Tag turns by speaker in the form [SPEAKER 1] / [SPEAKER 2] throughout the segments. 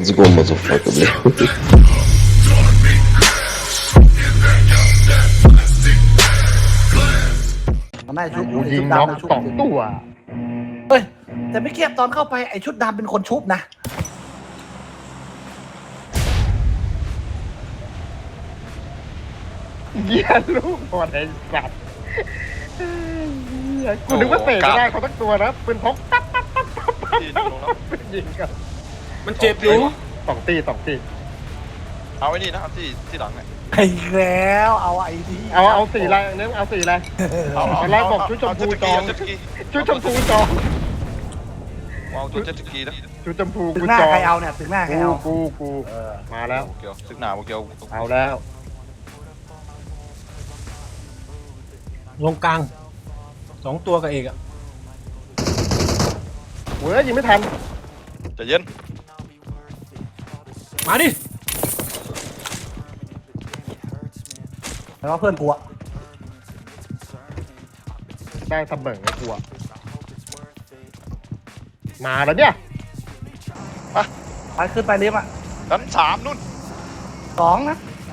[SPEAKER 1] Let's go, motherfucker, бля.
[SPEAKER 2] มันได้ชุบ
[SPEAKER 3] กูยิงน็อกสองตัว
[SPEAKER 2] เฮ้ยแต่ไม่เกียบตอนเข้าไปไอ้ชุดดำเป็นคนชุบนะ
[SPEAKER 3] เหี้ยลูกบอลไอ้สัตว์เหี้ยกูนึกว่าเตะไม่ได้เขาตั้งตัวนะปืนพกปั๊บปั๊บปั๊บปั๊บปั๊บยิงกัน
[SPEAKER 4] มันเจ็บอยู่
[SPEAKER 3] สองตี
[SPEAKER 4] เอาไอ้นี่นะเอาที่หลังเนี่ย
[SPEAKER 2] ไอ้แล้วเอาไอ้ที่
[SPEAKER 3] เอาสีอะไรเนี่ยเอาสีอะไร ตอนแรกบอกชุดชมพูจอง
[SPEAKER 4] เจ็ตสกี
[SPEAKER 3] ชุดชมพูจอง
[SPEAKER 4] เอาชุดเจ็ตสกีนะ
[SPEAKER 3] ชุดชมพู
[SPEAKER 2] ถึ
[SPEAKER 3] กู
[SPEAKER 2] งหน้า
[SPEAKER 3] จอง
[SPEAKER 2] ใครเอาเนี่ยถึงหน้าใครเอา
[SPEAKER 3] กูมาแล้ว
[SPEAKER 4] โอเคซึกหนาโอเค
[SPEAKER 3] เอาแล้ว
[SPEAKER 5] ลงกลาง2 ตัวกับเอกอะ
[SPEAKER 3] เว้ยยิงไม่ทัน
[SPEAKER 4] ใจเย็น
[SPEAKER 5] มาดิ
[SPEAKER 2] แล้วเพื่อนกูอะ
[SPEAKER 3] ได้เสมอไอ้กูอะมาแล้วเนี่ย
[SPEAKER 2] ไปขึ้นไปลิฟต์อะ
[SPEAKER 4] ชั้น3นู่น
[SPEAKER 2] 2นะ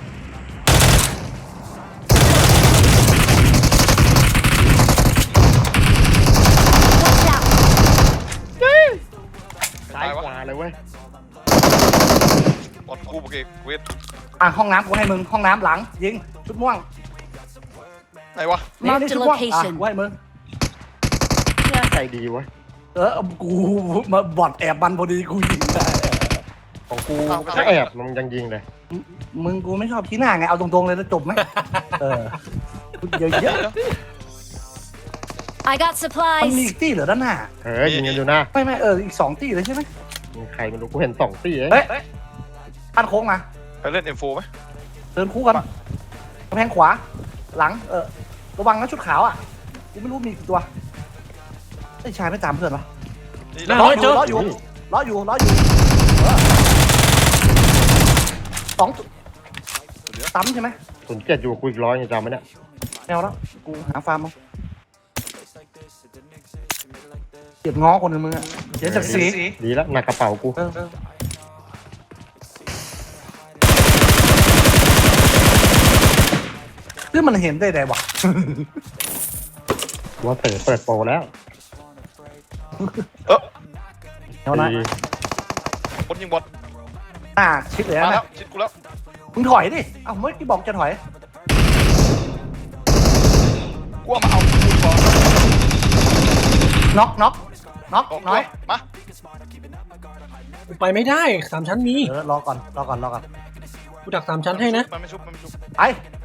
[SPEAKER 3] ซ้ายขวาเลยเว้ย
[SPEAKER 4] บอลคู่โอเคเวท
[SPEAKER 2] อ่ะห้องน้ำกูให้มึงห้องน้ำหลังยิงชุดม่วง
[SPEAKER 4] ไหนวะ
[SPEAKER 2] มาดิชุดม่วงอ่ะกูให้มึง
[SPEAKER 3] ใจดีเว้ย
[SPEAKER 2] กูมาบอดแอบมันพอดีกูยิงได้
[SPEAKER 3] ของกูถ้าแอบมันยังยิงเลย
[SPEAKER 2] มึงกูไม่ชอบขี้หน้าไงเอาตรงๆเลยแล้วจบไหมเยอะ
[SPEAKER 6] I got
[SPEAKER 2] ๆมันมี
[SPEAKER 6] supplies.
[SPEAKER 2] อีกตี้เหรอด้านหน้า
[SPEAKER 3] ยิงกันอยู่นะ
[SPEAKER 2] ไม่อีก2ตี้เลยใช่ไหม
[SPEAKER 3] มีใครไม่รู้กูเห็น2ตีเอง
[SPEAKER 2] เฮ้ยปั้นโค้งมา
[SPEAKER 4] ไปเล่น M4 ไหม
[SPEAKER 2] เดินคู่กันกำแพงขวาหลังระวังนะชุดขาวอ่ะกูไม่รู้มีกี่ตัวไอ้ชายไม่ตามเพื่อนวะ
[SPEAKER 4] นี่
[SPEAKER 5] น่า
[SPEAKER 4] แล้ว
[SPEAKER 5] ร้อยเจอ
[SPEAKER 2] ล้ออยู่2ตัวตั้มใช่ไหม
[SPEAKER 3] 07อยู่กูอีก100ยังจำไหมเนี่ย
[SPEAKER 2] แนวแล้วกูหาฟาร์มมาเก็บง้อคนหนึ่งมึงอะเสียศักดิ์ศรี
[SPEAKER 3] ดีแล้วหนักกระเป๋ากู
[SPEAKER 2] คือมันเห็นได้ไงวะ
[SPEAKER 3] ว่าเต๋อเปิดโปรแล้ว
[SPEAKER 2] เดี๋ยวนะ
[SPEAKER 3] ดี
[SPEAKER 4] คนยิงบอล
[SPEAKER 2] ชิดเลย
[SPEAKER 4] มาแล้
[SPEAKER 2] นะ
[SPEAKER 4] วชิดกูแล้ว
[SPEAKER 2] มึงถอยดิเอ้าเมื่อกี้บอกจะถอย
[SPEAKER 4] กูเอามาเอากูก่อน
[SPEAKER 2] น็อกน้อย
[SPEAKER 4] มา
[SPEAKER 5] กูไปไม่ได้3 ชั้นมี
[SPEAKER 2] รอก่อน
[SPEAKER 5] กูดัก3 ชั้นให้นะ
[SPEAKER 4] มันไม่ชุบ
[SPEAKER 2] ไป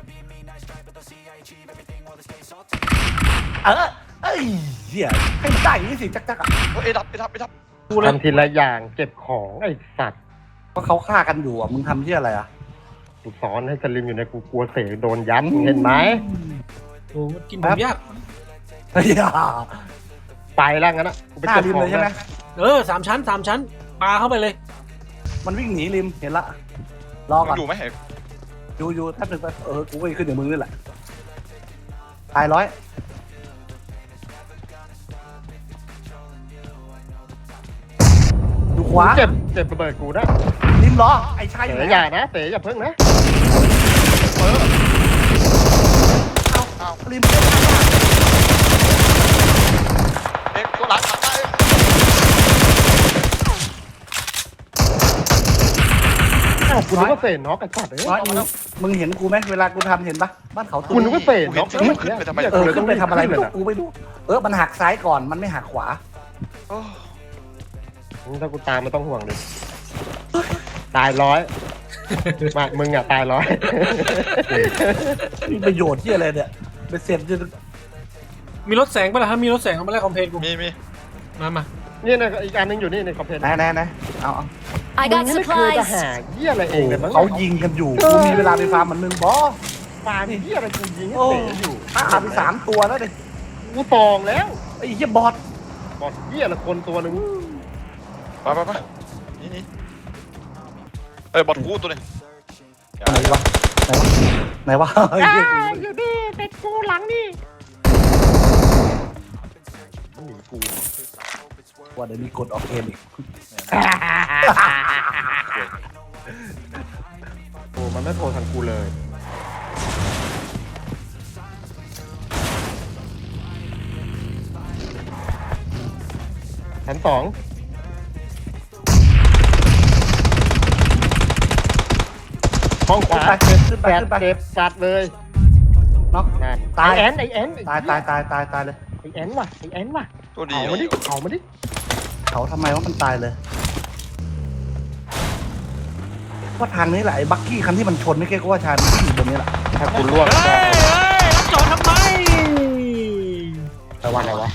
[SPEAKER 2] เอ้ยเหี้ยให้มันได้อย่างนี้สิจักอ่ะ
[SPEAKER 4] เอดับ
[SPEAKER 5] กูเลย
[SPEAKER 3] ทำทีละอย่างเก็บของไอ้สัตว์
[SPEAKER 2] ว่าเขาฆ่ากันอยู่อ่ะมึงทำที่อะไรอ่ะ
[SPEAKER 3] กูสอนให้สลิมอยู่ในกูกลัวเสโดนยัดมึงเห็นไหม
[SPEAKER 5] โอ้มันกินผมยาก
[SPEAKER 2] เฮ้ย
[SPEAKER 3] ไปแล้วงั้นนะกูไป
[SPEAKER 2] หน้า
[SPEAKER 3] เก็บ
[SPEAKER 2] ริม
[SPEAKER 3] ขอ
[SPEAKER 2] เล
[SPEAKER 3] ง
[SPEAKER 2] ยใช่ไหม
[SPEAKER 5] 3 ชั้น3 ชั้นปาเข้าไปเลย
[SPEAKER 2] มันวิ่งหนีริมเห็นละรอก่อน
[SPEAKER 4] อยู่ไหมเห็น
[SPEAKER 2] อยู่แป๊บนึงไปกูก็ขึ้นอย่างมึงนี่แหละตาย100ดูขวา
[SPEAKER 3] เจ็บระเบิดกูนะ
[SPEAKER 2] ริมล้อไอ้ชายอ
[SPEAKER 3] เต๋
[SPEAKER 2] ยู่ไหน
[SPEAKER 3] อย่านะเต๋อย่าเพิ่งนะ
[SPEAKER 2] เอาริม
[SPEAKER 4] เอ็กตัวหลังตาย
[SPEAKER 3] อ้าวกูนึกว่าเสน็อกไอ้สัตว์เอ้ย
[SPEAKER 2] น้อยมึงเห็นกูไหมเวลากูทำเห็นปะบ้านเขา
[SPEAKER 3] กูนึกว่าเสน็อก
[SPEAKER 4] ขึ้นไปทำไม
[SPEAKER 2] ขึ้นไปทำอะไรไม่รู้กูไม่รู้มันหักซ้ายก่อนมันไม่หักขวา
[SPEAKER 3] ถ้ากูตามไม่ต้องห่วงเลยตาย100มามึงอ่ะตาย100
[SPEAKER 2] มีประโยชน์ที่อะไรเนี่ยเป็นเศษจะ
[SPEAKER 5] มีรถแสงป่ะล่ะครับมีรถแสงเอามาแลกคอมเพลนกู
[SPEAKER 4] มี
[SPEAKER 5] มา
[SPEAKER 3] นี่นะอีกอันนึงอยู่นี่ในคอมเพลน
[SPEAKER 2] ไหนเอา
[SPEAKER 6] I
[SPEAKER 3] มึ
[SPEAKER 6] got
[SPEAKER 3] งไม่เคยจะ
[SPEAKER 6] supplies.
[SPEAKER 3] หาเหี้ยอะไรเองเลยมั้ง
[SPEAKER 2] เขายิงกันอยู่กูมีเวลาไปฟาร์มมันนึงบอ
[SPEAKER 3] ฟาร์มเหี้ยอะไรกูยิงให้
[SPEAKER 2] โอ้
[SPEAKER 3] เต๋อยู่
[SPEAKER 2] ฆ่าไป3 ตัวแล้วดิ
[SPEAKER 3] กูตองแล้ว
[SPEAKER 2] ไอ้เหี้ยบอส
[SPEAKER 3] บอดเหี้ยละคนตัวนึง
[SPEAKER 4] ไปนี่บอลคู่ตัวนี้
[SPEAKER 2] ไหนวะเฮ้ย
[SPEAKER 3] อยู่นี่เป็ดกูหลังนี่หนีกู
[SPEAKER 2] ว่าเดี๋ยวมีกดออกเกมอีก
[SPEAKER 3] โอ้มันไม่โทรทางกูเลยชั้น 2ห้องขวา
[SPEAKER 2] ขึ้นไป
[SPEAKER 3] แปด
[SPEAKER 2] ขึ้นไป
[SPEAKER 3] เจ็บสัดเลย
[SPEAKER 2] น็อก
[SPEAKER 3] นั่น
[SPEAKER 2] ตาย
[SPEAKER 3] ไอแอนไอแอน
[SPEAKER 2] ตายเลย
[SPEAKER 3] ไอแอนว่ะไอแอนว่ะ
[SPEAKER 4] ตัวดี
[SPEAKER 3] เอามาดิเอามาดิ
[SPEAKER 2] เขาทำไมว่ามันตายเลยว่าทางนี้แหละไอ้บักกี้คันที่มันชนไม่เก้ก็ว่าชายมันอยู่บนนี้แหละ
[SPEAKER 3] ถ้ากูล่วง
[SPEAKER 5] เฮ้ยจอดทำไม
[SPEAKER 3] แต่ว่าอะไรวะ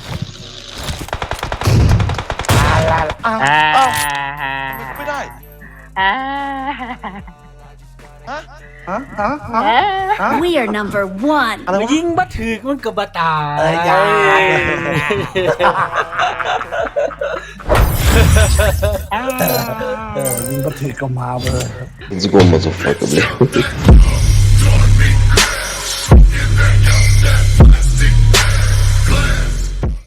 [SPEAKER 2] อ้าว
[SPEAKER 4] ไม่ได้
[SPEAKER 2] ฮะฮะ
[SPEAKER 1] We are number one.
[SPEAKER 2] อะไร
[SPEAKER 5] มาว
[SPEAKER 2] ะ
[SPEAKER 5] ยิงบัถือมันกับบาตาย
[SPEAKER 2] เอ้ยอย่า ยิงก็ถือก็มาเบอร์
[SPEAKER 6] Let's go, motherfucker, блядь.